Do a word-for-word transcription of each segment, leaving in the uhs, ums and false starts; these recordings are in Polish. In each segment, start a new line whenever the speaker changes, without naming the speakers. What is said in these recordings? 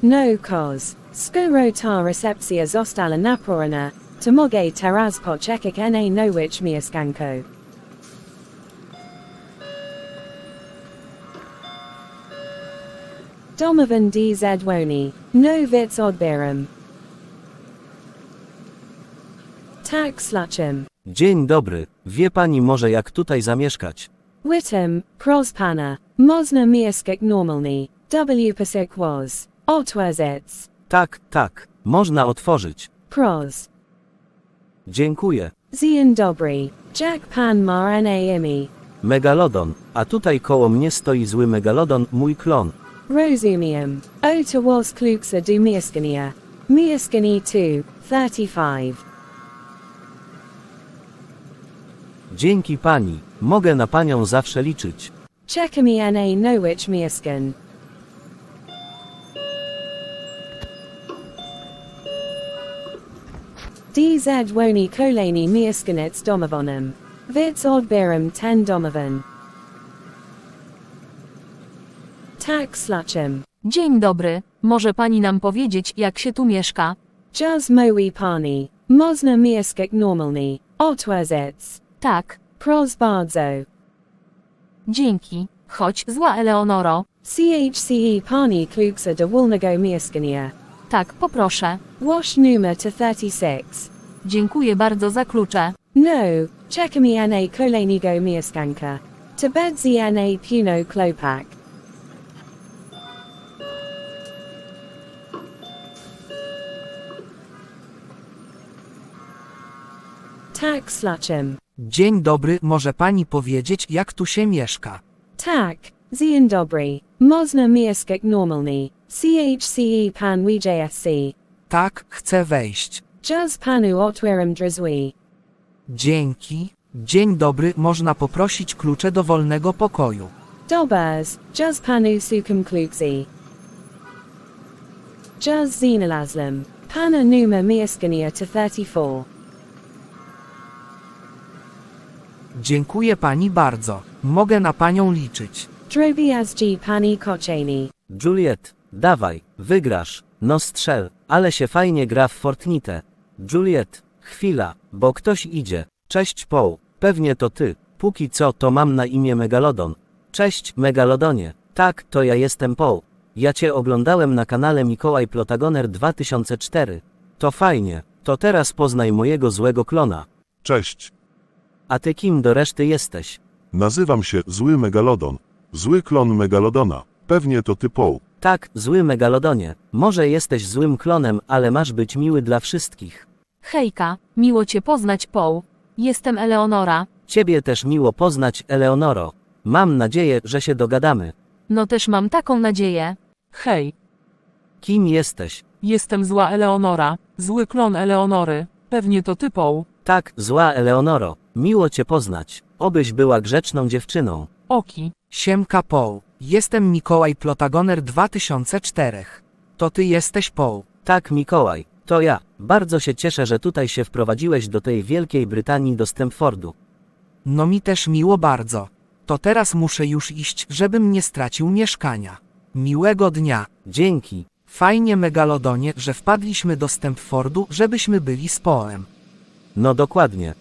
No cos. Skoro ta recepcja została naporana, to mogę teraz poczekać na nowicz mieszkanko. Domovan D Z Woni. No wits odbieram. Tak sluchem.
Dzień dobry, wie pani może jak tutaj zamieszkać?
Witam, pros pana. Można mieszkać normalnie. W pasek was. Otworzyć.
Tak, tak, można otworzyć.
Pros.
Dziękuję.
Dzień dobry. Jack pan ma na imię.
Megalodon, a tutaj koło mnie stoi zły megalodon, mój klon.
Rozumiem. Oto was kluksa du mieszkania. Mieszkanie two, thirty-five.
Dzięki pani, mogę na panią zawsze liczyć.
Czekamy na nowicz mieszkan. D Z Woni kolejny mieszkaniec domowanym. Wits odbieram ten domovan. Tak sluchem.
Dzień dobry, może pani nam powiedzieć, jak się tu mieszka?
Jaz moi pani. Można mieszkać normalnie. Otworzyć.
Tak,
Pros bardzo.
dzięki. Chodź, zła Eleonoro.
Chce pani kluksa do wolnego mieszkania.
Tak, poproszę.
Wash numer to thirty-six.
Dziękuję bardzo za klucze.
No, czekamy na kolejnego mieszkanka. To bedzi na puno klopak. Tak sluchem.
Dzień dobry, może pani powiedzieć, jak tu się mieszka?
Tak, dzień dobry. Można mieszkać normalnie. Chce pan wjsc.
Tak, chcę wejść.
Jaz panu otwieram drzwi.
Dzięki. Dzień dobry, można poprosić klucze do wolnego pokoju.
Dobers, jaz panu sukam kluksi. Jaz znalazłem. Pana numer mieszkania to thirty-four.
Dziękuję pani bardzo. Mogę na panią liczyć.
Drobiazgi pani kochani.
Juliet, dawaj, wygrasz, no strzel, ale się fajnie gra w Fortnite. Juliet, chwila, bo ktoś idzie. Cześć Paul, pewnie to ty, póki co to mam na imię Megalodon. Cześć Megalodonie, tak, to ja jestem Paul. Ja cię oglądałem na kanale Mikołaj Plotagoner dwa tysiące cztery. To fajnie, to teraz poznaj mojego złego klona.
Cześć,
A ty kim do reszty jesteś?
nazywam się Zły Megalodon. Zły klon Megalodona. Pewnie to ty Paul.
Tak, zły Megalodonie, może jesteś złym klonem, ale masz być miły dla wszystkich.
Hejka, miło cię poznać, Paul. Jestem Eleonora.
Ciebie też miło poznać, Eleonoro. Mam nadzieję, że się dogadamy.
No też mam taką nadzieję.
Hej,
Kim jesteś?
jestem zła Eleonora, zły klon Eleonory. Pewnie to ty, Paul.
Tak, zła Eleonoro, miło cię poznać. Obyś była grzeczną dziewczyną.
Oki.
Siemka Paul. Jestem Mikołaj Plotagoner dwa tysiące cztery. To ty jesteś Paul.
Tak, Mikołaj, to ja. Bardzo się cieszę, że tutaj się wprowadziłeś do tej Wielkiej Brytanii do Stamfordu.
No mi też miło bardzo. To teraz muszę już iść, żebym nie stracił mieszkania. Miłego dnia.
Dzięki.
Fajnie Megalodonie, że wpadliśmy do Stamfordu, żebyśmy byli z Paulem.
No dokładnie.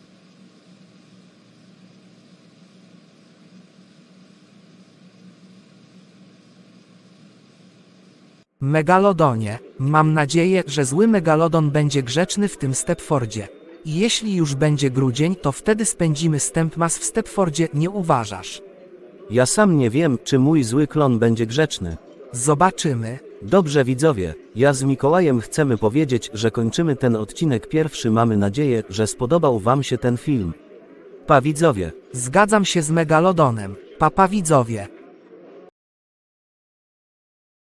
Megalodonie, mam nadzieję, że zły Megalodon będzie grzeczny w tym Stepfordzie. I jeśli już będzie grudzień, to wtedy spędzimy Stempmas w Stepfordzie, nie uważasz?
Ja sam nie wiem, czy mój zły klon będzie grzeczny.
Zobaczymy.
Dobrze widzowie, ja z Mikołajem chcemy powiedzieć, że kończymy ten odcinek pierwszy. Mamy nadzieję, że spodobał wam się ten film. Pa widzowie.
Zgadzam się z Megalodonem. Papa widzowie.